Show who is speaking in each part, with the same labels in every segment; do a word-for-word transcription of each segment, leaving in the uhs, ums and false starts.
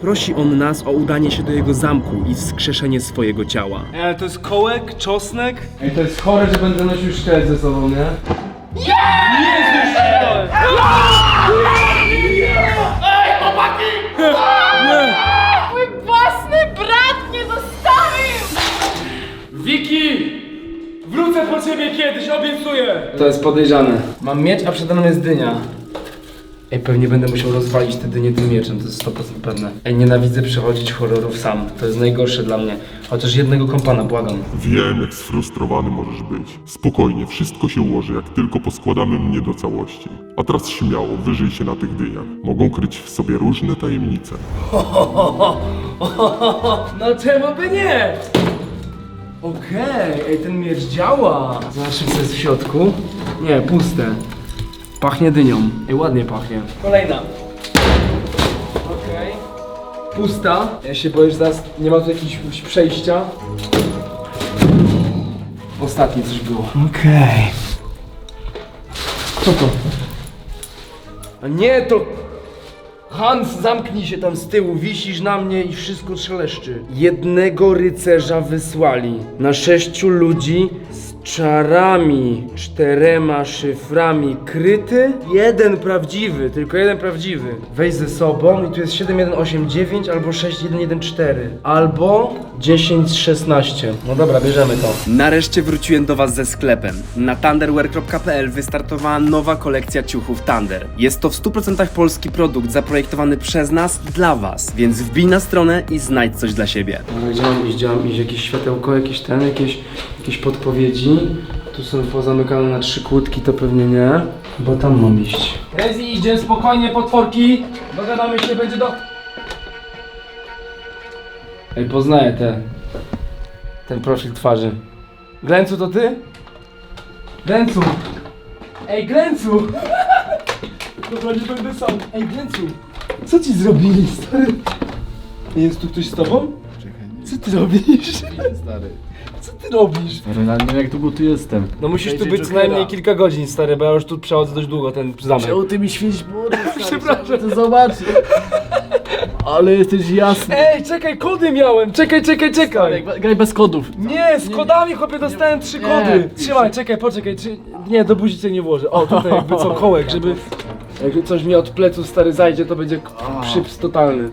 Speaker 1: prosi on nas o udanie się do jego zamku i wskrzeszenie swojego ciała.
Speaker 2: Ej, ale to jest kołek, czosnek? Ej, to jest chore, że będę nosił szkielet ze sobą, nie? Nie! Nie jest szkielet!
Speaker 3: Ej, chłopaki! Mój własny brat mnie zostawił!
Speaker 2: Wiki! Wrócę po ciebie kiedyś, obiecuję! To jest podejrzane. Mam miecz, a przede mną jest dynia. Ej, pewnie będę musiał rozwalić te dynie tym mieczem, to jest sto procent pewne. Ej, nienawidzę przechodzić horrorów sam. To jest najgorsze dla mnie. Chociaż jednego kompana, błagam.
Speaker 4: Wiem, jak sfrustrowany możesz być. Spokojnie, wszystko się ułoży, jak tylko poskładamy mnie do całości. A teraz śmiało, wyżyj się na tych dyniach. Mogą kryć w sobie różne tajemnice.
Speaker 2: No czemu by nie? Okej, ej, ten miecz działa. Zobaczmy, co jest w środku. Nie, puste. Pachnie dynią. Ej, ładnie pachnie. Kolejna. Okej. Pusta. Ja się boję, że teraz nie ma tu jakiegoś przejścia. Ostatnie coś było. Okej. Co to? A nie, to... Hans, zamknij się tam z tyłu, wisisz na mnie i wszystko szeleszczy. Jednego rycerza wysłali na sześciu ludzi z czarami, czterema szyframi kryty, jeden prawdziwy, tylko jeden prawdziwy. Weź ze sobą i tu jest siedem jeden osiem dziewięć albo sześć jeden jeden cztery albo dziesięć szesnaście. No dobra, bierzemy to.
Speaker 1: Nareszcie wróciłem do was ze sklepem. Na thunderwear kropka p l wystartowała nowa kolekcja ciuchów Thunder. Jest to w stu procentach polski produkt zaprojektowany przez nas dla was, więc wbij na stronę i znajdź coś dla siebie.
Speaker 2: No, gdzie mam iść? Gdzie mam iść? Jakieś światełko, jakieś ten, jakieś, jakieś podpowiedzi. Tu są pozamykane na trzy kłódki, to pewnie nie. Bo tam mam iść. Rezi, idzie spokojnie, potworki. Dogadamy się, będzie do... Ej, poznaję te... ten profil twarzy. Glęcu, to ty? Glęcu! Ej, Glęcu! Dobra, nie będę sam. Ej, Glęcu! Co ci zrobili, stary? Jest tu ktoś z tobą? Co ty robisz?
Speaker 5: Stary.
Speaker 2: Co ty robisz?
Speaker 5: Ale nie wiem, jak długo tu jestem.
Speaker 2: No musisz tu
Speaker 5: Będzie
Speaker 2: być co
Speaker 5: Jokera.
Speaker 2: najmniej kilka godzin, stary, bo ja już tu przechodzę dość długo ten zamek.
Speaker 5: Czemu ty mi świecisz młody,
Speaker 2: Przepraszam.
Speaker 5: to zobaczyć. Ale jesteś jasny.
Speaker 2: Ej, czekaj, kody miałem! Czekaj, czekaj, czekaj!
Speaker 5: Graj, graj bez kodów.
Speaker 2: Nie, z kodami, chłopie, dostałem trzy
Speaker 5: nie.
Speaker 2: kody! Trzymaj, czekaj, poczekaj, czy... Nie, do buzi cię nie włożę. O, tutaj jakby co, kołek, żeby... Jak coś mi od plecu, stary, zajdzie, to będzie k- przyps totalny.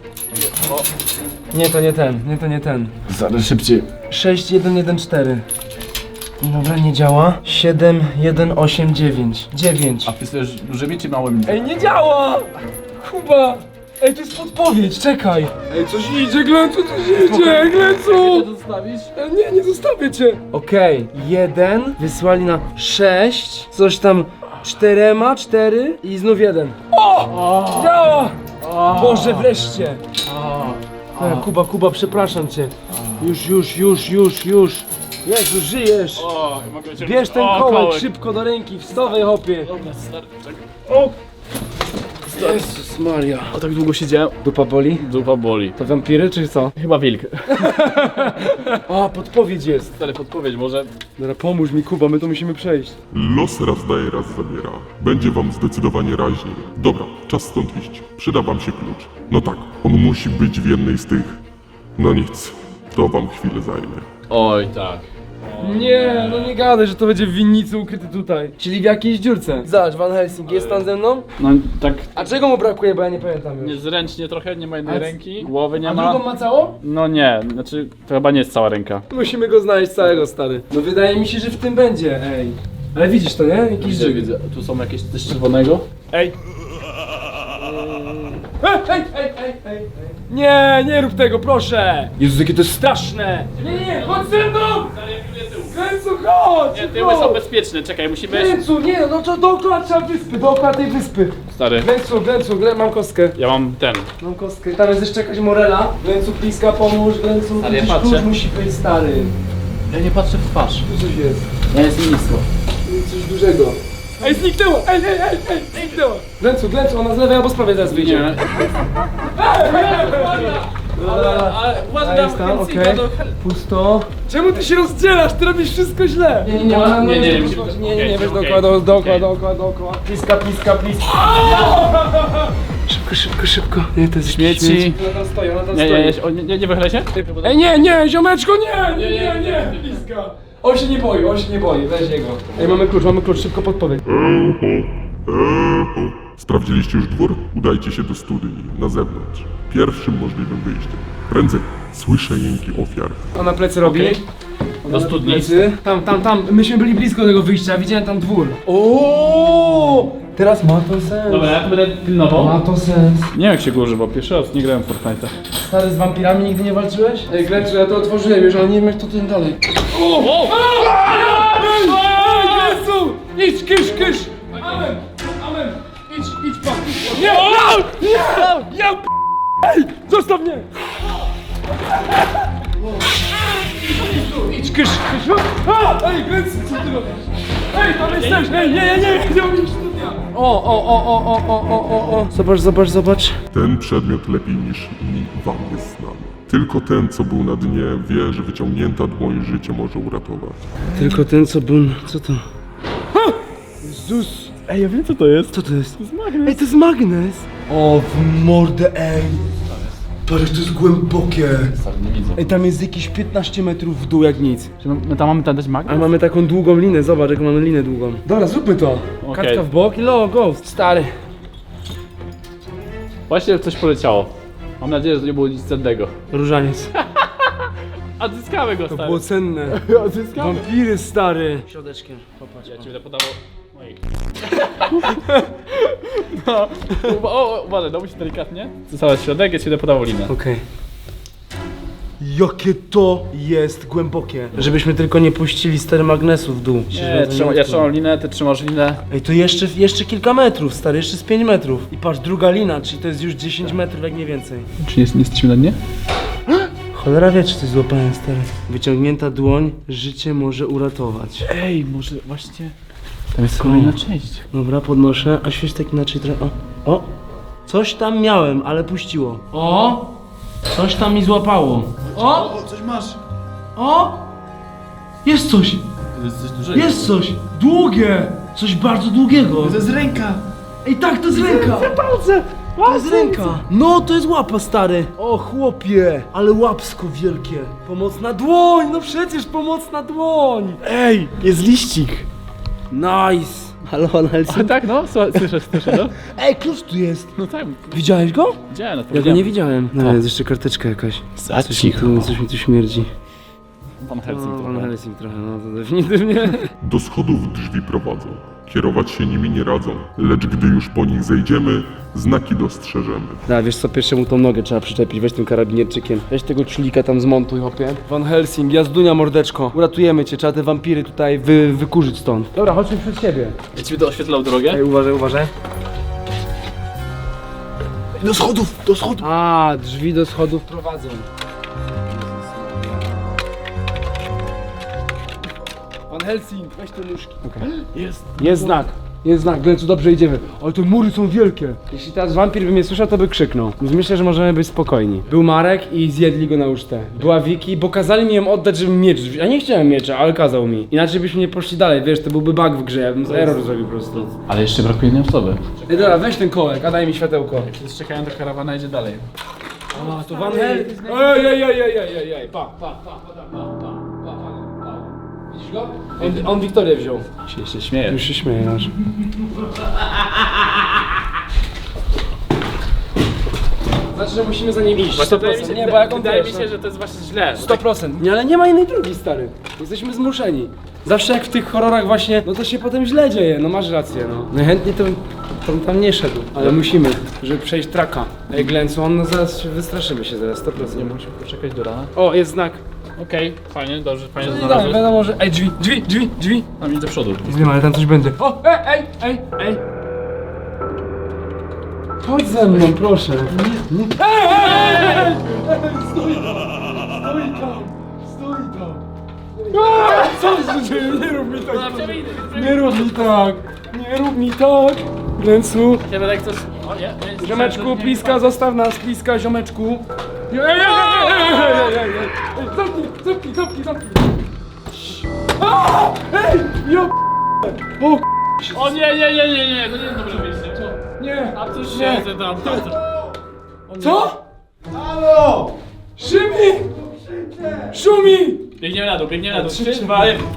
Speaker 2: Nie, to nie ten, nie, to nie ten.
Speaker 5: Zaraz szybciej.
Speaker 2: sześć jeden jeden cztery. Dobra, nie działa. siedem jeden osiem dziewięć. dziewięć.
Speaker 5: A pisujesz dużymi czy małymi?
Speaker 2: Ej, nie działa! Kuba! Ej, to jest podpowiedź, czekaj! Ej, coś idzie, Glęcu, coś idzie, Glęcu!
Speaker 5: zostawisz?
Speaker 2: E, Nie, nie zostawię cię! Okej, jeden, wysłali na sześć, coś tam czterema, cztery i znów jeden. O! Działa! Boże, wreszcie! E, Kuba, Kuba, przepraszam cię. Już, już, już, już, już. Jezu, żyjesz!
Speaker 5: O, mogę cię...
Speaker 2: Bierz ten
Speaker 5: o,
Speaker 2: kołek szybko do ręki, wstawaj, hopie!
Speaker 5: Dobra, stary, czekaj.
Speaker 2: O! Jezus Maria.
Speaker 5: O, tak długo siedziałem.
Speaker 2: Dupa boli?
Speaker 5: Dupa boli.
Speaker 2: To wampiry czy co?
Speaker 5: Chyba wilk.
Speaker 2: A, podpowiedź jest.
Speaker 5: Stary, podpowiedź, może...
Speaker 2: Dobra, pomóż mi, Kuba, my to musimy przejść.
Speaker 4: Los raz daje, raz zabiera. Będzie wam zdecydowanie raźniej. Dobra, czas stąd iść. Przyda wam się klucz. No tak, on musi być w jednej z tych... No nic, to wam chwilę zajmie.
Speaker 5: Oj, tak.
Speaker 2: Nie, no nie gadaj, że to będzie w winnicy ukryty tutaj. Czyli w jakiejś dziurce. Zobacz, Van Helsing, jest tam ze mną?
Speaker 5: No, tak
Speaker 2: A czego mu brakuje, bo ja nie pamiętam już.
Speaker 5: niezręcznie trochę, nie ma jednej
Speaker 2: A c-
Speaker 5: ręki, głowy nie
Speaker 2: A
Speaker 5: ma.
Speaker 2: drugą ma całą?
Speaker 5: No nie, znaczy to chyba nie jest cała ręka.
Speaker 2: Musimy go znaleźć całego, stary. No wydaje mi się, że w tym będzie, ej. Ale widzisz to, nie? Jakiś
Speaker 5: Widzę,
Speaker 2: żyg.
Speaker 5: widzę. Tu są jakieś coś czerwonego.
Speaker 2: Ej! Ej, ej, ej, ej, ej, ej. Nie, nie rób tego, proszę! Jezus, jakie to jest straszne! Nie, nie, chodź ze mną! Kręcu, chodź!
Speaker 5: Nie, tyły są bezpieczne, czekaj, musimy...
Speaker 2: Kręcu, nie, no to dookoła trzeba wyspy, dookoła tej wyspy.
Speaker 5: Stary,
Speaker 2: Glęcu, Glęcu, Glę, mam kostkę.
Speaker 5: ja mam ten.
Speaker 2: Mam kostkę. Tam jest jeszcze jakaś morela. Glęcu, bliska, pomóż, Glęcu.
Speaker 5: Ale ja
Speaker 2: jakiś
Speaker 5: patrzę.
Speaker 2: klucz musi być, stary.
Speaker 5: Ja nie patrzę w twarz.
Speaker 2: Tu coś jest.
Speaker 5: Ja jest nisko.
Speaker 2: Coś dużego. Ej, zniknęło! Ej, ej, ej, ej, zniknęło! Glęcu, Glęcu, ona z lewej albo z prawej teraz wyjdzie.
Speaker 5: Nie.
Speaker 2: Ale,
Speaker 5: ale
Speaker 2: A jest tam, okej. Pusto. Czemu ty się rozdzielasz? Ty robisz wszystko źle. Nie, nie, nie,
Speaker 5: ona- nie, nie,
Speaker 2: nie,
Speaker 5: musimy-
Speaker 2: nie, nie, nie,
Speaker 5: okej,
Speaker 2: weź
Speaker 5: okej.
Speaker 2: dookoła, do- dookoła,
Speaker 5: Okej.
Speaker 2: dookoła, dookoła. Pliska, pliska, pliska. Szybko, Szybko, szybko, szybko. Nie, to jest
Speaker 5: Śmieci.
Speaker 2: Ona tam stoi, ona tam
Speaker 5: Nie,
Speaker 2: stoi.
Speaker 5: nie, nie, o, nie, nie, nie wychylaj się?
Speaker 2: Ej, nie, nie, ziomeczko, nie, nie, nie, nie, bliska. On się nie boi, on się nie boi, weź jego. Ej, mamy klucz, mamy klucz, szybko podpowiedź.
Speaker 4: Eho, eho. Sprawdziliście już dwór? Udajcie się do studni, na zewnątrz. Pierwszym możliwym wyjściem. Prędzej. Słyszę jęki ofiar.
Speaker 2: Ona plecy robi.
Speaker 5: Okej.
Speaker 2: Ona
Speaker 5: Do
Speaker 2: robi
Speaker 5: studni.
Speaker 2: plecy. Tam, tam, tam, myśmy byli blisko tego wyjścia, widziałem tam dwór. O, teraz ma to sens.
Speaker 5: Dobra, ja tu będę pilnował.
Speaker 2: Ma to sens.
Speaker 5: Nie wiem jak się go używa, pierwszy raz nie grałem w Fortnite'a.
Speaker 2: Stary, z wampirami nigdy nie walczyłeś? Ej, Glencu, ja to otworzyłem już, ale nie wiem jak to ten dalej. O! O! Ej, Glencu! Idź, kysz, kysz! Amen! Amen! Idź, idź pan! Nie! Nie! Ja p... Ej! Zostaw mnie! Idź, kysz, kysz! A! Ej, Glencu, co ty robisz? Ej, tam jesteś! Ej, nie, nie, nie! Nie mam studia! O, o, o, o, o, o, o, o, o! Zobacz, zobacz, zobacz.
Speaker 4: Ten przedmiot lepiej niż inni wam jest znany. Tylko ten, co był na dnie, wie, że wyciągnięta dłoń życie może uratować.
Speaker 2: Tylko ten, co był... Co to? Jezus!
Speaker 5: Ej, ja wiem co to jest.
Speaker 2: Co to jest?
Speaker 5: To jest magnes.
Speaker 2: Ej, to jest magnes! O, w mordę, ej! Patrz, to jest głębokie!
Speaker 5: Nie widzę.
Speaker 2: Ej, tam jest jakieś piętnaście metrów w dół jak nic.
Speaker 5: Czy my, my tam mamy tam dać
Speaker 2: A
Speaker 5: magnes?
Speaker 2: mamy taką długą linę, zobacz, jaką mamy linę długą. Dobra, zróbmy to!
Speaker 5: Okej.
Speaker 2: Kartka w bok i lo, ghost. Stary.
Speaker 5: Właśnie coś poleciało. Mam nadzieję, że to nie było nic cennego.
Speaker 2: Różaniec.
Speaker 5: Odzyskamy go,
Speaker 2: To
Speaker 5: stary.
Speaker 2: było cenne.
Speaker 5: Odzyskamy.
Speaker 2: Wampiry, stary. Środeczkiem, popatrz.
Speaker 5: Ja ci będę podawał moich. No, o, o, uważaj, dałby się delikatnie. Została środek, ja ci będę podawał linę.
Speaker 2: Okej. Jakie to jest głębokie. Żebyśmy tylko nie puścili stary magnesu w dół.
Speaker 5: Nie, trzyma, ja trzymam linę, ty trzymasz linę.
Speaker 2: Ej, to jeszcze, jeszcze kilka metrów, stary, jeszcze z pięć metrów. I patrz, druga lina, czyli to jest już dziesięć metrów, jak nie więcej.
Speaker 5: Czy nie, nie jesteśmy na dnie?
Speaker 2: Cholera wie, czy coś złapałem, stary. Wyciągnięta dłoń życie może uratować.
Speaker 5: Ej, może właśnie... Tam jest kolejna część.
Speaker 2: Dobra, podnoszę, a świeć tak inaczej trochę. O, o! Coś tam miałem, ale puściło. O! Coś tam mi złapało. O!
Speaker 5: O, coś masz.
Speaker 2: O! Jest coś!
Speaker 5: To jest coś dużego.
Speaker 2: Jest coś! Długie! Coś bardzo długiego!
Speaker 5: To jest ręka.
Speaker 2: Ej, tak, to jest ręka!
Speaker 5: Palce.
Speaker 2: To jest ręka! No, to jest łapa, stary! O, chłopie! Ale łapsko wielkie! Pomocna dłoń! No przecież pomocna dłoń!
Speaker 5: Ej, jest liścik.
Speaker 2: Nice! Halo, Van
Speaker 5: A
Speaker 2: Helsing?
Speaker 5: tak, no, słuchaj, słyszę, słyszę, no.
Speaker 2: Ej, klucz tu jest!
Speaker 5: No tak,
Speaker 2: Widziałeś go?
Speaker 5: widziałem, no
Speaker 2: Ja go nie widziałem. No, jest jeszcze karteczka jakaś.
Speaker 5: Za
Speaker 2: Coś mi tu, coś mi tu śmierdzi.
Speaker 5: Van Helsing
Speaker 2: No,
Speaker 5: to
Speaker 2: Van
Speaker 5: chyba.
Speaker 2: Helsing trochę, no to definitywnie.
Speaker 4: Do schodów drzwi prowadzą. Kierować się nimi nie radzą, lecz gdy już po nich zejdziemy, znaki dostrzeżemy.
Speaker 2: Da, wiesz co, pierwszemu tą nogę trzeba przyczepić, weź tym karabinierczykiem. Weź tego czulika tam zmontuj, hopie. Van Helsing, jazdunia mordeczko. Uratujemy cię, trzeba te wampiry tutaj wy, wykurzyć stąd. Dobra, chodźmy przed siebie.
Speaker 5: Ja ci będę oświetlał drogę.
Speaker 2: Ej, uważaj, uważaj.
Speaker 5: Do schodów, do schodów.
Speaker 2: A, drzwi do schodów prowadzą. Van Helsing, weź te nóżki.
Speaker 5: Jest.
Speaker 2: Jest znak. Jest znak, Glencu, dobrze idziemy. Ale te mury są wielkie. Jeśli teraz wampir by mnie słyszał, to by krzyknął. Więc myślę, że możemy być spokojni. Był Marek i zjedli go na ucztę. Była Wiki, bo kazali mi ją oddać, żebym miecz wziął. Ja nie chciałem miecza, ale kazał mi. Inaczej byśmy nie poszli dalej, wiesz, to byłby bug w grze, ja bym error zrobił po prostu.
Speaker 5: Ale jeszcze brakuje jednej osoby.
Speaker 2: Ej, dobra, weź ten kołek, a daj mi światełko.
Speaker 5: Wszyscy czekają, do karawana idzie dalej.
Speaker 2: A, to Van Helsing. Ej, ej, ej, ej, ej, ej, ej, pa, pa, pa, pa, pa, pa, pa, pa, pa. Widzisz go? On, on Wiktorię wziął.
Speaker 5: Się, się śmieje.
Speaker 2: Już się śmieje nasz. Znaczy, że musimy za nim iść. sto procent. Nie, bo jak on
Speaker 5: wydaje
Speaker 2: wiesz,
Speaker 5: mi się, że to jest właśnie źle.
Speaker 2: sto procent. Nie, ale nie ma innej drogi, stary. Jesteśmy zmuszeni. Zawsze jak w tych horrorach właśnie, no to się potem źle dzieje, no masz rację, no. Najchętniej to bym tam nie szedł, ale musimy, żeby przejść traka. Ej, Glencu, on no zaraz się wystraszymy się zaraz, sto procent.
Speaker 5: Nie musimy poczekać do rana.
Speaker 2: O, jest znak.
Speaker 5: Okej, fajnie, dobrze, fajnie
Speaker 2: No,
Speaker 5: znalazłeś.
Speaker 2: wiadomo, że... Ej, drzwi, drzwi, drzwi, drzwi.
Speaker 5: Tam idź do przodu.
Speaker 2: Wiem, ale tam coś będzie. O, ej, ej, ej, ej. Chodź ze mną, proszę. Nie, nie. Ej, ej, ej, ej. Stój tam, stój tam, stój tam. Aaa, co się dzieje? Nie rób mi tak. Nie rób mi tak. Nie rób mi tak. Glencu,
Speaker 5: Nie będę jak coś... O nie, nie.
Speaker 2: ziomeczku, pliska, zostaw nas, pliska, ziomeczku. Ej, ej, ej, ej, ej, ej, ej, ej. Zamknij, zamknij, zamknij, zamknij. Aaa, ej, jo. O,
Speaker 5: O nie, nie, nie, nie, nie, to nie jest dobre miejsce.
Speaker 2: Nie!
Speaker 5: A coś
Speaker 2: Nie.
Speaker 5: się tam, tam, tam.
Speaker 2: Co? Halo! Szymi! Szumi!
Speaker 5: Biegniemy na dół, biegniemy na dół.
Speaker 2: Trzy,
Speaker 5: Trzy,
Speaker 2: cztery.
Speaker 5: dwa, jeden.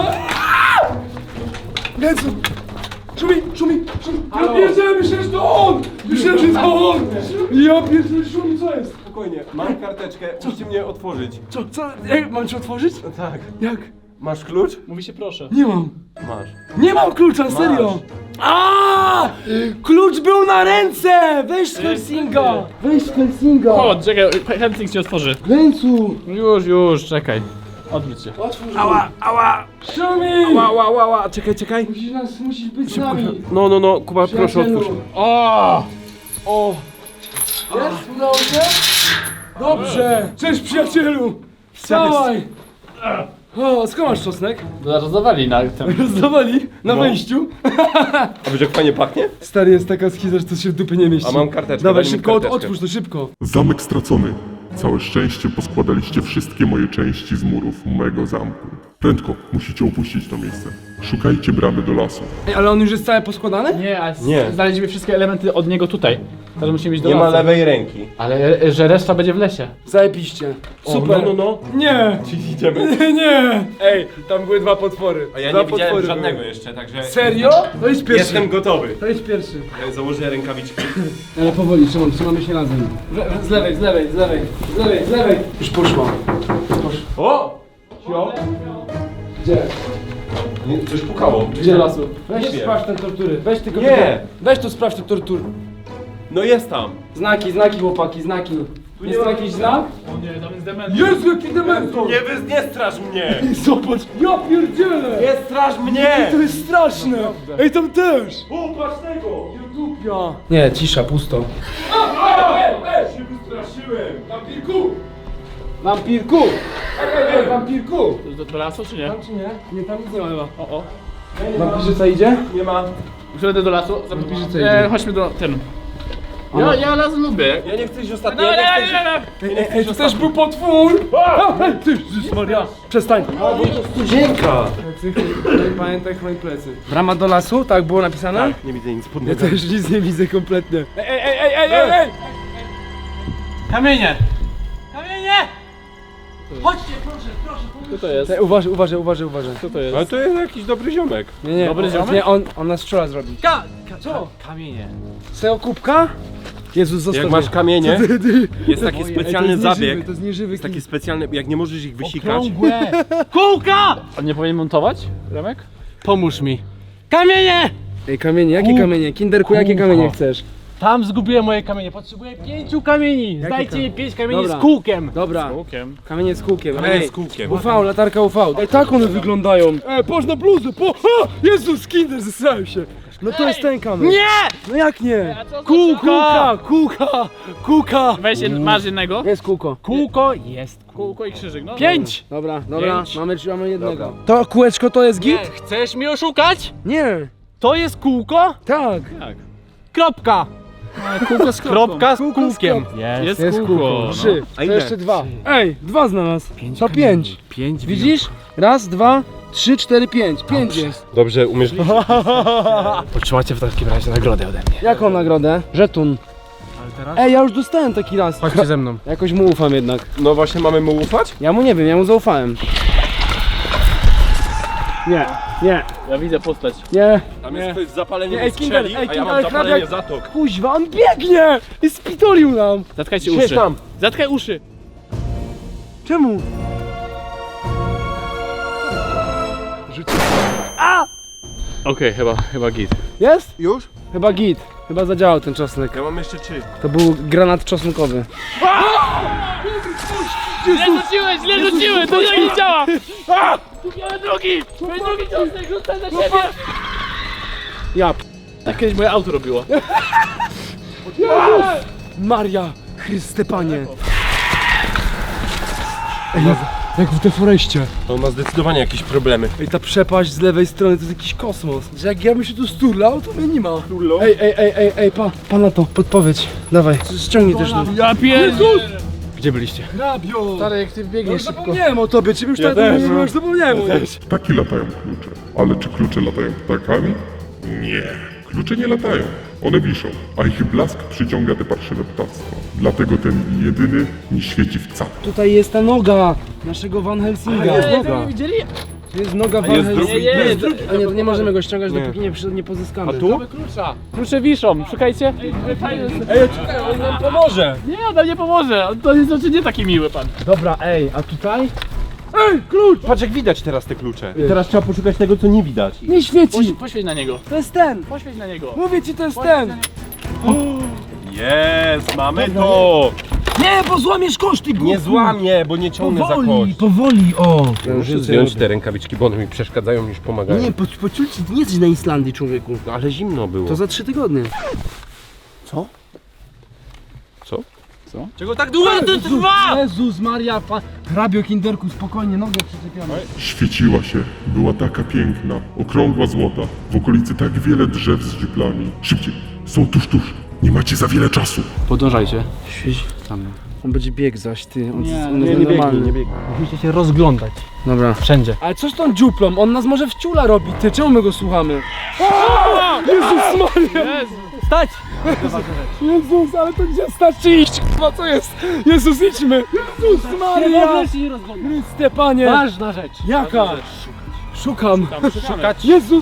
Speaker 2: Lecą! Szumi, szumi, szumi! Ja pierdzielę, myślałem, że to on! Myślałem, że to on! Ja pierdzielę, szumi, co jest?
Speaker 6: Spokojnie, mam karteczkę, musicie mnie otworzyć.
Speaker 2: Co, co? Ej, mam ci otworzyć?
Speaker 6: No tak.
Speaker 2: Jak?
Speaker 6: Masz klucz?
Speaker 5: Mówi się proszę.
Speaker 2: Nie mam.
Speaker 6: Masz.
Speaker 2: Nie mam klucza, serio! A! Klucz był na ręce! Weź z Helsinga! Weź z Helsinga!
Speaker 5: O, czekaj, Helsing się otworzy.
Speaker 2: Ręcu!
Speaker 5: Już, już, czekaj. Odwróć się.
Speaker 2: Otwórz ała, ała! Szumi!
Speaker 6: Ła, ła, ła, ła, czekaj, czekaj.
Speaker 2: Musisz nas, musisz być z nami!
Speaker 6: No, no, no, Kuba, proszę
Speaker 2: Przyjacielu.
Speaker 6: otwórz.
Speaker 5: O!
Speaker 6: O!
Speaker 2: Jest? Udało się? Dobrze! Cześć przyjacielu! Wstawaj! O, skąd masz czosnek?
Speaker 5: Rozdawali na tym.
Speaker 2: Rozdawali na
Speaker 6: No.
Speaker 2: wejściu.
Speaker 6: A wiesz jak fajnie pachnie?
Speaker 2: Stary, jest taka schiza, że to się w dupy nie mieści.
Speaker 6: A mam karteczkę,
Speaker 2: Dawaj,
Speaker 6: daj mi
Speaker 2: szybko, od,
Speaker 6: karteczkę.
Speaker 2: otwórz to szybko.
Speaker 4: Zamek stracony. Całe szczęście poskładaliście wszystkie moje części z murów mojego zamku. Prędko, musicie opuścić to miejsce. Szukajcie bramy do lasu.
Speaker 2: Ej, ale on już jest cały poskładany?
Speaker 5: Nie, a
Speaker 6: Nie.
Speaker 5: znaleźliśmy wszystkie elementy od niego tutaj. Teraz musimy iść do
Speaker 6: Nie ma
Speaker 5: lasu.
Speaker 6: lewej ręki.
Speaker 5: Ale e, że reszta będzie w lesie.
Speaker 2: Zajebiście.
Speaker 6: O,
Speaker 2: Super.
Speaker 6: no, no, no.
Speaker 2: Nie!
Speaker 6: Czyli idziemy.
Speaker 2: Nie, nie! Ej, tam były dwa potwory.
Speaker 6: A ja
Speaker 2: dwa
Speaker 6: nie widziałem
Speaker 2: potwory
Speaker 6: żadnego
Speaker 2: były.
Speaker 6: jeszcze, także...
Speaker 2: Serio? To jest pierwszy.
Speaker 6: Jestem gotowy.
Speaker 2: To jest pierwszy.
Speaker 6: Ja założę rękawiczki.
Speaker 2: Ale powoli, trzymam, trzymamy się razem. Z, z lewej, z lewej, z lewej, z lewej, z lewej. Już poszła. Poszła.
Speaker 6: O! Cio?
Speaker 2: Gdzie?
Speaker 6: Nie, coś pukało.
Speaker 2: Gdzie lasu? Weź
Speaker 6: Nie wiem.
Speaker 2: sprawdź te tortury. Weź tylko
Speaker 6: Nie.
Speaker 2: tylko- Weź tu sprawdź te tortury.
Speaker 6: No jest tam.
Speaker 2: Znaki, znaki chłopaki, znaki. Tu jest tu jakiś znak?
Speaker 5: O nie, tam jest dement.
Speaker 2: Jezu, jaki dementor!
Speaker 6: Nie, wy, nie straż mnie!
Speaker 2: Zobacz, ja pierdzielę!
Speaker 6: Nie straż mnie!
Speaker 2: To jest straszne! Ej, tam też!
Speaker 6: O, patrz tego!
Speaker 2: Ja. Nie, cisza, pusto.
Speaker 6: Ej, się wystraszyłem!
Speaker 2: Wampirku! Wampirku! Ej, ej, wampirku!
Speaker 5: Do, do lasu czy nie?
Speaker 2: Tam czy nie? Nie, tam nic nie ma chyba.
Speaker 5: O, o.
Speaker 2: Wampirzyca idzie?
Speaker 6: Nie ma.
Speaker 5: Przejdę do lasu.
Speaker 2: Wampirzyca
Speaker 5: E,
Speaker 2: idzie.
Speaker 5: chodźmy do ten. Ja, ja las lubię.
Speaker 6: Ja nie chcę iść
Speaker 5: No,
Speaker 6: ostatnio,
Speaker 5: no,
Speaker 6: ja nie
Speaker 5: no,
Speaker 6: chcę
Speaker 5: no,
Speaker 6: iść...
Speaker 5: no.
Speaker 2: Ej, ej, ej, to też był potwór! Ej, ty, Jezus Maria! Przestań!
Speaker 6: Studzienka!
Speaker 2: Pamiętaj, chroni plecy. Brama do lasu, tak było napisane?
Speaker 6: Nie widzę nic pod
Speaker 2: Ja
Speaker 6: nogami.
Speaker 2: też nic nie widzę kompletnie. Ej, ej, ej, ej, ej, ej!
Speaker 5: Kamienie! Kamienie! Co to jest?
Speaker 2: Ej, uważaj, uważaj, uważaj, uważaj.
Speaker 5: Co to jest?
Speaker 6: Ale to jest jakiś dobry ziomek.
Speaker 2: Nie, nie,
Speaker 5: Dobry
Speaker 2: on,
Speaker 5: ziomek?
Speaker 2: nie, on, on nas strzela zrobi.
Speaker 5: Ka, ka,
Speaker 2: Co?
Speaker 5: Kamienie.
Speaker 2: Serio kubka? Jezus, zostaw
Speaker 6: Jak
Speaker 2: mnie.
Speaker 6: masz kamienie,
Speaker 2: Co ty, ty?
Speaker 6: jest taki
Speaker 2: Ej, to
Speaker 6: specjalny
Speaker 2: jest nieżywy,
Speaker 6: zabieg.
Speaker 2: To jest nieżywy
Speaker 6: Jest taki
Speaker 2: kij.
Speaker 6: specjalny, jak nie możesz ich wysikać.
Speaker 5: Kółka! On nie powinien montować? Remek?
Speaker 7: Pomóż mi. Kamienie!
Speaker 2: Ej, kamienie, jakie kamienie? Kinderku, jakie kamienie chcesz?
Speaker 7: Tam zgubiłem moje kamienie. Potrzebuję pięciu kamieni. Zdajcie
Speaker 2: kam-
Speaker 7: mi pięć kamieni
Speaker 2: Dobra.
Speaker 7: z kółkiem.
Speaker 2: Dobra,
Speaker 5: Kółkiem.
Speaker 2: kamienie z kółkiem.
Speaker 6: Kamienie
Speaker 2: Ej,
Speaker 6: z kółkiem.
Speaker 2: U V, latarka U V. Ej, tak one wyglądają. Ej, patrz na bluzę, po... O! Jezus, Kinder, zesrałem się. No to jest ten kamień.
Speaker 7: Nie!
Speaker 2: No jak nie?
Speaker 5: A co za
Speaker 2: Kółka, kółka, kółka.
Speaker 5: Weź, jed- masz jednego.
Speaker 2: Jest kółko.
Speaker 7: Kółko jest.
Speaker 5: Kółko i krzyżyk, no.
Speaker 7: Pięć!
Speaker 2: Dobra, dobra,
Speaker 5: Pięć.
Speaker 2: mamy, mamy jednego. To kółeczko to jest
Speaker 7: Nie,
Speaker 2: git?
Speaker 7: chcesz mi oszukać?
Speaker 2: Nie.
Speaker 7: To jest kółko?
Speaker 2: Tak.
Speaker 5: Tak.
Speaker 7: Kropka.
Speaker 5: Kółko z
Speaker 7: Kropka z
Speaker 2: Kółko z
Speaker 7: kółkiem.
Speaker 5: Jest,
Speaker 2: Jest
Speaker 5: kółko.
Speaker 2: kółko.
Speaker 5: no.
Speaker 2: Trzy.
Speaker 6: A
Speaker 2: To
Speaker 6: ile?
Speaker 2: jeszcze dwa. Ej, dwa znalazł. To pięć.
Speaker 7: Pięć.
Speaker 2: Widzisz? Raz, dwa, trzy, cztery, pięć. Pięć jest.
Speaker 6: Dobrze, umiesz liczyć?
Speaker 7: Otrzymacie w takim razie nagrodę ode mnie.
Speaker 2: Jaką nagrodę? Żetun.
Speaker 7: Ale teraz?
Speaker 2: Ej, ja już dostałem taki raz.
Speaker 7: Chodźcie ze mną.
Speaker 2: Jakoś mu ufam jednak.
Speaker 6: No właśnie, mamy mu ufać?
Speaker 2: Ja mu nie wiem, ja mu zaufałem. Nie, nie,
Speaker 5: Ja widzę postać.
Speaker 2: nie.
Speaker 6: Tam
Speaker 2: Nie.
Speaker 6: jest ktoś z zapaleniem
Speaker 2: Nie, ej,
Speaker 6: skrzeli,
Speaker 2: Kinder, ej,
Speaker 6: a ja
Speaker 2: Kinder,
Speaker 6: mam
Speaker 2: ale
Speaker 6: zapalenie
Speaker 2: hrabia-
Speaker 6: zatok.
Speaker 2: Kuźwa, on biegnie! I spitolił nam.
Speaker 5: Zatkajcie
Speaker 6: Siedź
Speaker 5: uszy.
Speaker 6: tam.
Speaker 5: Zatkaj uszy.
Speaker 2: Czemu?
Speaker 5: Okej, chyba, chyba git.
Speaker 2: Jest?
Speaker 6: Już?
Speaker 2: Chyba git. Chyba zadziałał ten czosnek.
Speaker 6: Ja mam jeszcze trzy.
Speaker 2: To był granat czosnkowy.
Speaker 5: Źle rzuciłeś, źle rzuciłeś, to nie działa! Tu miałem drugi! Mój drugi ciosnek, rzucaj za siebie!
Speaker 2: Ja p...
Speaker 5: Tak kiedyś moje auto robiło.
Speaker 2: Maria, Chryste Panie. Ej, jak, jak w deforeście.
Speaker 6: On ma zdecydowanie jakieś problemy.
Speaker 2: Ej, ta przepaść z lewej strony to jest jakiś kosmos. Że jak ja bym się tu sturlał, to mnie nie ma.
Speaker 6: Turlał?
Speaker 2: Ej, ej, ej, ej, ej, pa, pa na to, podpowiedź. Dawaj, ściągnij też tu.
Speaker 5: Ja pierdolę!
Speaker 7: Gdzie byliście?
Speaker 2: Hrabio!
Speaker 5: Stary, jak ty
Speaker 2: Ja
Speaker 5: biegniesz
Speaker 2: już
Speaker 5: szybko.
Speaker 2: zapomniałem o tobie, czy już
Speaker 6: Ja
Speaker 2: tak
Speaker 6: też,
Speaker 2: nie
Speaker 6: no.
Speaker 2: już zapomniałem o nim.
Speaker 4: Ptaki latają klucze. Ale czy klucze latają ptakami? Nie. Klucze nie latają. One wiszą, a ich blask przyciąga te parszywe ptactwo. Dlatego ten jedyny nie świeci wcale.
Speaker 2: Tutaj jest ta noga naszego Van Helsinga.
Speaker 5: Nie,
Speaker 2: Noga.
Speaker 5: tego nie widzieli?
Speaker 2: Tu jest noga Van
Speaker 6: jest
Speaker 2: Helsinga.
Speaker 6: drugi?
Speaker 5: Nie, nie,
Speaker 2: Jest drugi. A nie, to nie możemy go ściągać,
Speaker 6: Nie.
Speaker 2: dopóki nie, przy- nie pozyskamy.
Speaker 6: A tu?
Speaker 5: Mamy klucza. Klucze wiszą, szukajcie. Ej, fajne jest.
Speaker 6: Ej, czekaj, on nam pomoże!
Speaker 5: Nie, on nam nie pomoże. On to jest znaczy nie taki miły pan.
Speaker 2: Dobra, ej, a tutaj?
Speaker 6: Ej, klucz! Patrz jak widać teraz te klucze. I teraz trzeba poszukać tego, co nie widać.
Speaker 2: Nie świeci!
Speaker 5: Poś, poświeć na niego.
Speaker 2: To jest ten!
Speaker 5: Poświeć na niego.
Speaker 2: Mówię ci, to jest ten!
Speaker 6: Jest, mamy to!
Speaker 2: Nie, bo złamiesz koszty,
Speaker 6: Nie złamię, bo nie ciągnę za
Speaker 2: Powoli,
Speaker 6: kość.
Speaker 2: powoli, o!
Speaker 6: Muszę zdjąć te rękawiczki, bo one mi przeszkadzają niż pomagają.
Speaker 2: Nie, po, pociulci, nie jesteś na Islandii, człowieku.
Speaker 6: No, ale zimno było.
Speaker 2: To za trzy tygodnie.
Speaker 6: Co?
Speaker 5: Czego tak długo to trwa?
Speaker 2: Jezus Maria, pa... hrabio kinderku, spokojnie, nogę przyczepiamy.
Speaker 4: Świeciła się, była taka piękna, okrągła złota. W okolicy tak wiele drzew z dziuplami. Szybciej, są tuż, tuż. Nie macie za wiele czasu.
Speaker 5: Podążajcie.
Speaker 2: Świeć tam. On będzie biegł zaś, ty, on,
Speaker 5: Nie,
Speaker 2: on
Speaker 6: Nie,
Speaker 2: jest
Speaker 6: nie biegnij,
Speaker 2: normalny.
Speaker 6: nie biegnij.
Speaker 7: Musicie się rozglądać.
Speaker 2: Dobra.
Speaker 7: Wszędzie.
Speaker 2: Ale co z tą dziuplą? On nas może w ciula robi, ty, czemu my go słuchamy? O! Jezus Maria!
Speaker 7: Stać!
Speaker 2: Jezus, ale to gdzie starczy iść? Kurwa, co jest? Jezus, idźmy! Jezus Maria!
Speaker 7: się nie rozglądać.
Speaker 2: Chryste Panie!
Speaker 7: Ważna rzecz.
Speaker 2: Jaka? Szukam.
Speaker 5: Szukać.
Speaker 2: Jezus!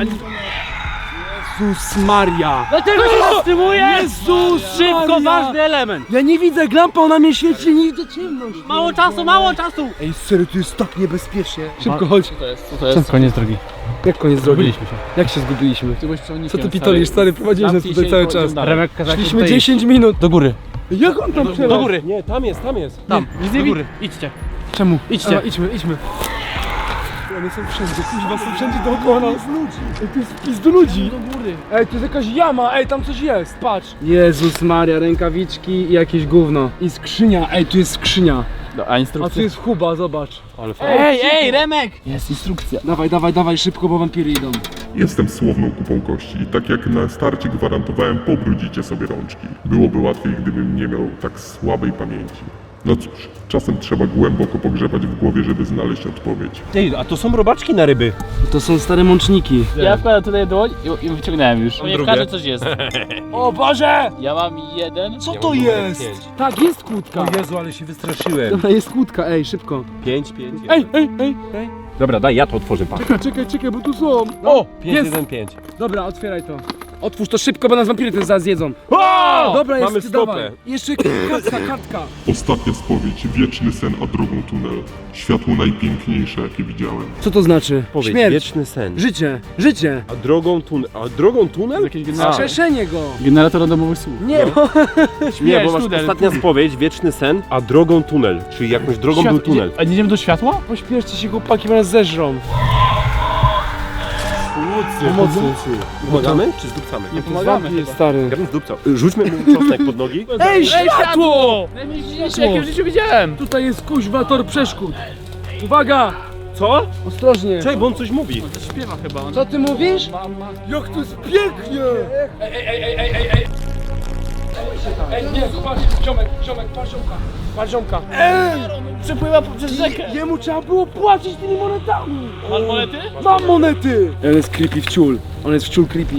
Speaker 2: Jezus Maria!
Speaker 7: Dlaczego się zatrzymujesz?
Speaker 2: Jezus
Speaker 7: Szybko,
Speaker 2: Maria!
Speaker 7: ważny element.
Speaker 2: Ja nie widzę, lampa, ona mnie świeci, nie widzę ciemność.
Speaker 7: Mało czasu, mało czasu.
Speaker 2: Ej, serio, tu jest tak niebezpiecznie. Szybko, chodź.
Speaker 5: Co to jest? Co to jest?
Speaker 7: Koniec drogi.
Speaker 2: Jak koniec drogi?
Speaker 7: Zgubiliśmy się.
Speaker 2: Jak się zgubiliśmy?
Speaker 5: Ty byłeś przewodnikiem,
Speaker 2: Co ty pitolisz, stary? Prowadziłeś nas
Speaker 5: Zamknij
Speaker 2: tutaj
Speaker 5: się
Speaker 2: cały
Speaker 5: i
Speaker 2: czas.
Speaker 5: chodź dalej.
Speaker 7: Remek kazał
Speaker 2: Szliśmy dziesięć minut.
Speaker 7: Do góry.
Speaker 2: Jak on tam
Speaker 7: Do
Speaker 2: przelał?
Speaker 7: góry.
Speaker 6: Nie, tam jest, tam jest.
Speaker 7: Tam.
Speaker 5: Nic
Speaker 7: Do
Speaker 5: nie
Speaker 7: góry.
Speaker 5: góry. Idźcie.
Speaker 2: Czemu?
Speaker 7: Idźcie.
Speaker 2: A, idźmy, idźmy. One są wszędzie, kuźwa, są wszędzie dookoła nas. Ej, tu jest wpis do ludzi.
Speaker 5: Do góry.
Speaker 2: Ej, tu jest jakaś jama, ej, tam coś jest, patrz. Jezus Maria, rękawiczki i jakieś gówno. I skrzynia, ej, tu jest skrzynia.
Speaker 5: No, a
Speaker 2: A tu
Speaker 5: instrukcja?
Speaker 2: jest huba, zobacz.
Speaker 6: Ale fajnie.
Speaker 5: Ej, ej, Remek! Jest instrukcja.
Speaker 2: Dawaj, dawaj, dawaj, szybko, bo wampiry idą.
Speaker 4: Jestem słowną kupą kości i tak jak na starcie gwarantowałem, pobrudzicie sobie rączki. Byłoby łatwiej, gdybym nie miał tak słabej pamięci. No cóż, czasem trzeba głęboko pogrzebać w głowie, żeby znaleźć odpowiedź.
Speaker 6: Ej, a to są robaczki na ryby.
Speaker 2: To są stare mączniki.
Speaker 5: Ja wkładam tutaj dłoń i, i wyciągnąłem już. Nie w
Speaker 6: drugie.
Speaker 5: każdym coś jest.
Speaker 2: O Boże!
Speaker 5: Ja mam jeden.
Speaker 2: Co
Speaker 6: Ja
Speaker 2: to
Speaker 6: mam
Speaker 2: jest?
Speaker 6: pięć.
Speaker 2: Tak, jest kłódka.
Speaker 6: O Jezu, ale się wystraszyłem.
Speaker 2: Dobra, jest kłódka, ej, szybko.
Speaker 6: Pięć, pięć.
Speaker 2: Ej, ej, ej, ej.
Speaker 6: Dobra, daj, ja to otworzę, pa.
Speaker 2: Czekaj, czekaj, czekaj, bo tu są.
Speaker 6: O! Pięć,
Speaker 2: Jest.
Speaker 6: jeden, pięć.
Speaker 2: Dobra, otwieraj to. Otwórz to szybko, bo nas wampiry ten zaraz zjedzą.
Speaker 6: O!
Speaker 2: Dobra, jest,
Speaker 6: Mamy
Speaker 2: dawaj.
Speaker 6: stopę.
Speaker 2: Jeszcze kartka, kartka.
Speaker 4: Ostatnia spowiedź, wieczny sen, a drogą tunel. Światło najpiękniejsze, jakie widziałem.
Speaker 2: Co to znaczy?
Speaker 6: Powiedz,
Speaker 2: Śmierć.
Speaker 6: wieczny sen.
Speaker 2: Życie, życie.
Speaker 6: A drogą tunel. A drogą tunel?
Speaker 5: Jakiś generator.
Speaker 2: Skrzeszenie go.
Speaker 5: Generator randomowych słów.
Speaker 2: Nie, bo...
Speaker 6: Nie, bo masz
Speaker 5: tunel.
Speaker 6: ostatnia spowiedź, wieczny sen, a drogą tunel. Czyli jakąś drogą
Speaker 5: Świat-
Speaker 6: był tunel.
Speaker 5: idzie- A nie idziemy do światła?
Speaker 2: Pośpieszcie się, chłopaki, bo nas zeżrą. Pomocy.
Speaker 6: Pomagamy czy zdupcamy?
Speaker 5: Nie pomagamy
Speaker 2: Wampir,
Speaker 5: chyba.
Speaker 2: stary.
Speaker 6: Ja bym zdupcał. Rzućmy mu czosnek pod nogi.
Speaker 2: Ej, światło!
Speaker 5: Najmniejsze, jakie w życiu widziałem.
Speaker 2: Tutaj jest kuźwa tor przeszkód. Uwaga!
Speaker 6: Co?
Speaker 2: Ostrożnie.
Speaker 6: Czekaj, bo on coś mówi.
Speaker 5: Śpiewa chyba. On.
Speaker 2: Co ty mówisz?
Speaker 5: Mama.
Speaker 2: Jak to jest pięknie! Ej, ej, ej, ej, ej, ej, ej! Ej, nie, patrz, ziomek, ziomek, patrz ziomka, patrz ziomka. Ej!
Speaker 5: Przepływa przez rzekę.
Speaker 2: Jemu trzeba było płacić tymi monetami!
Speaker 5: Masz monety?
Speaker 2: Mam monety! On jest creepy w ciul, on jest w ciul creepy.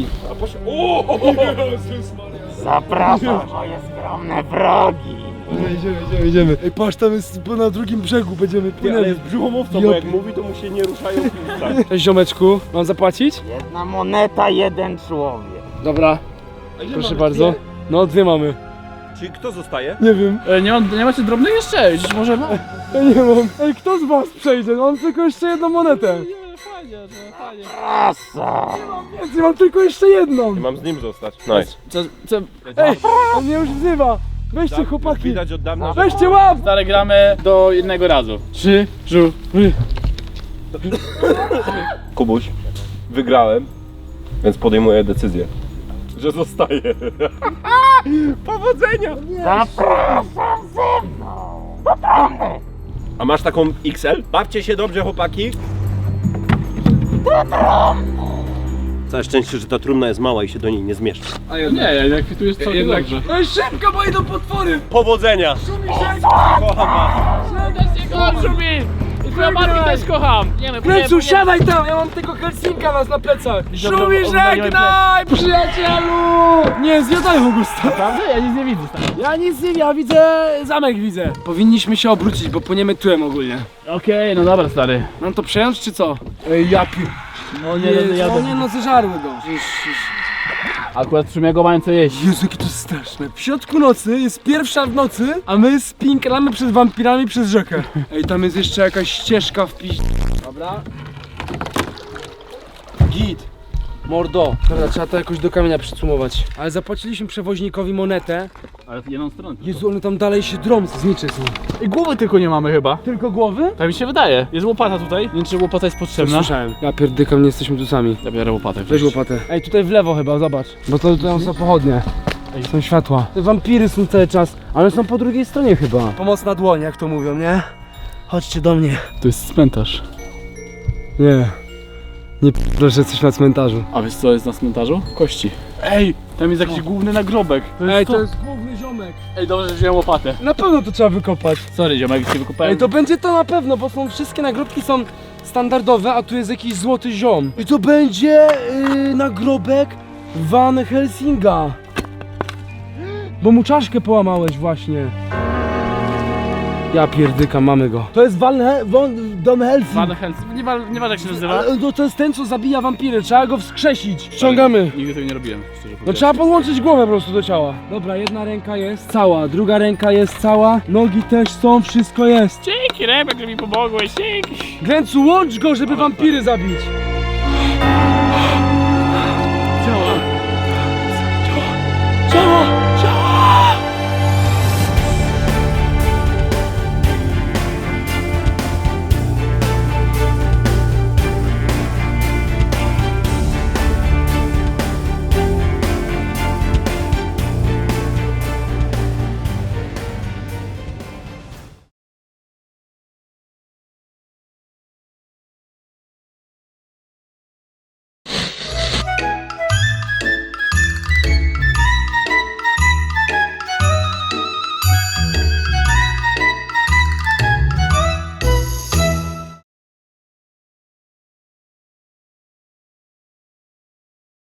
Speaker 2: Idziemy, idziemy, idziemy. Ej, patrz, tam jest na drugim brzegu, będziemy
Speaker 6: Ale
Speaker 2: płynęli.
Speaker 6: jest brzuchomówcą,
Speaker 2: Ja
Speaker 6: bo jak
Speaker 2: pi-
Speaker 6: mówi, to mu się nie ruszają usta.
Speaker 2: Cześć ziomeczku, mam zapłacić?
Speaker 8: Jedna moneta, jeden człowiek.
Speaker 2: Dobra, proszę bardzo. No, dwie mamy.
Speaker 6: Czyli kto zostaje?
Speaker 2: Nie wiem.
Speaker 5: E, nie, ma, nie macie drobnych jeszcze? Dziś może ma?
Speaker 2: Ja nie mam. Ej, kto z was przejdzie? Mam tylko jeszcze jedną monetę.
Speaker 5: Nie, fajnie, że fajnie.
Speaker 8: Asa!
Speaker 2: Więcej, mam tylko jeszcze jedną.
Speaker 6: I mam z nim zostać. Nice.
Speaker 5: Co, co,
Speaker 2: Ej, on mnie już wzywa. Weźcie chłopaki.
Speaker 6: Widać od dawna, że...
Speaker 2: Weźcie łap!
Speaker 5: stare gramy do jednego razu. Trzy, żu, ry.
Speaker 6: Kubuś, wygrałem, więc podejmuję decyzję, że zostaję. Powodzenia!
Speaker 8: Zapraszam ze mną! Do trumny!
Speaker 6: A masz taką X L? Bawcie się dobrze, chłopaki. Całe szczęście, że ta trumna jest mała i się do niej nie zmieszczę.
Speaker 5: Nie, jak tu jest całkiem dobrze.
Speaker 2: Ej, szybko, bo idą potwory!
Speaker 6: Powodzenia!
Speaker 5: Serdecznie kocham, Szumi! Chłopaki też kocham. Nie, my
Speaker 2: Kręcu,
Speaker 5: płyniemy-
Speaker 2: siadaj tam, ja mam tego Helsinka nas na plecach.
Speaker 5: Dobra,
Speaker 2: Szumi,
Speaker 5: oglądajmy
Speaker 2: żegnaj, przyjacielu! Nie, zjadają go stary.
Speaker 5: Prawda? Ja nic nie widzę. Stary.
Speaker 2: Ja nic nie, ja widzę zamek widzę. Powinniśmy się obrócić, bo płyniemy tyłem ogólnie.
Speaker 5: Okej, no dobra stary.
Speaker 2: Mam to przejąć czy co? Ej, ja pi...
Speaker 5: No
Speaker 2: Nie,
Speaker 5: nie, no, ja
Speaker 2: no nie, no zeżarły go.
Speaker 5: Akurat w sumie go mają co jeść.
Speaker 2: Jezu, jakie to jest straszne. W środku nocy, jest pierwsza w nocy, a my spinklamy przed wampirami przez rzekę. Ej, tam jest jeszcze jakaś ścieżka w piś... Dobra. Git. Mordo. Dobra, trzeba to jakoś do kamienia przycumować. Ale zapłaciliśmy przewoźnikowi monetę.
Speaker 5: Ale w jedną stronę.
Speaker 2: Jezu, one tam dalej się drą, znicze są.
Speaker 5: I głowy tylko nie mamy chyba.
Speaker 2: Tylko głowy?
Speaker 5: Tak mi się wydaje. Jest łopata tutaj. Nie wiem, czy łopata jest potrzebna.
Speaker 2: Słyszałem. Ja pierdykam, nie jesteśmy tu sami.
Speaker 5: Ja biorę łopatę.
Speaker 2: Weź łopatę. Ej, tutaj w lewo chyba, zobacz. Bo to tutaj są pochodnie. Ej, są światła. Te wampiry są cały czas, ale są po drugiej stronie chyba. Pomocna dłoń, jak to mówią, nie? Chodźcie do mnie.
Speaker 5: To jest cmentarz.
Speaker 2: Nie. Nie p***, że jesteś na cmentarzu.
Speaker 5: A wiesz co jest na cmentarzu? Kości. Ej, tam jest jakiś główny nagrobek. To jest
Speaker 2: Ej,
Speaker 5: to.
Speaker 2: to jest główny ziomek.
Speaker 5: Ej, dobrze, że wziąłem łopatę.
Speaker 2: Na pewno to trzeba wykopać.
Speaker 5: Sorry ziomek, się wykopałem.
Speaker 2: Ej, to będzie to na pewno, bo są wszystkie nagrobki są standardowe, a tu jest jakiś złoty ziom. I to będzie yy, nagrobek Van Helsinga. Bo mu czaszkę połamałeś właśnie. Ja pierdyka, mamy go. To jest Van, He Van, Van Helsing.
Speaker 5: Van Helsing. Nie ma, nie ma jak się nazywa.
Speaker 2: Ale no to jest ten, co zabija wampiry, trzeba go wskrzesić. Ściągamy.
Speaker 5: Nigdy tego nie robiłem, szczerze
Speaker 2: No
Speaker 5: powiedziawszy.
Speaker 2: trzeba podłączyć głowę po prostu do ciała. Dobra, jedna ręka jest cała, druga ręka jest cała, nogi też są, wszystko jest.
Speaker 5: Dzięki Remek, że mi pomogłeś, dzięki.
Speaker 2: Glęcu, łącz go, żeby wampiry zabić.
Speaker 5: Działa.
Speaker 2: Działa!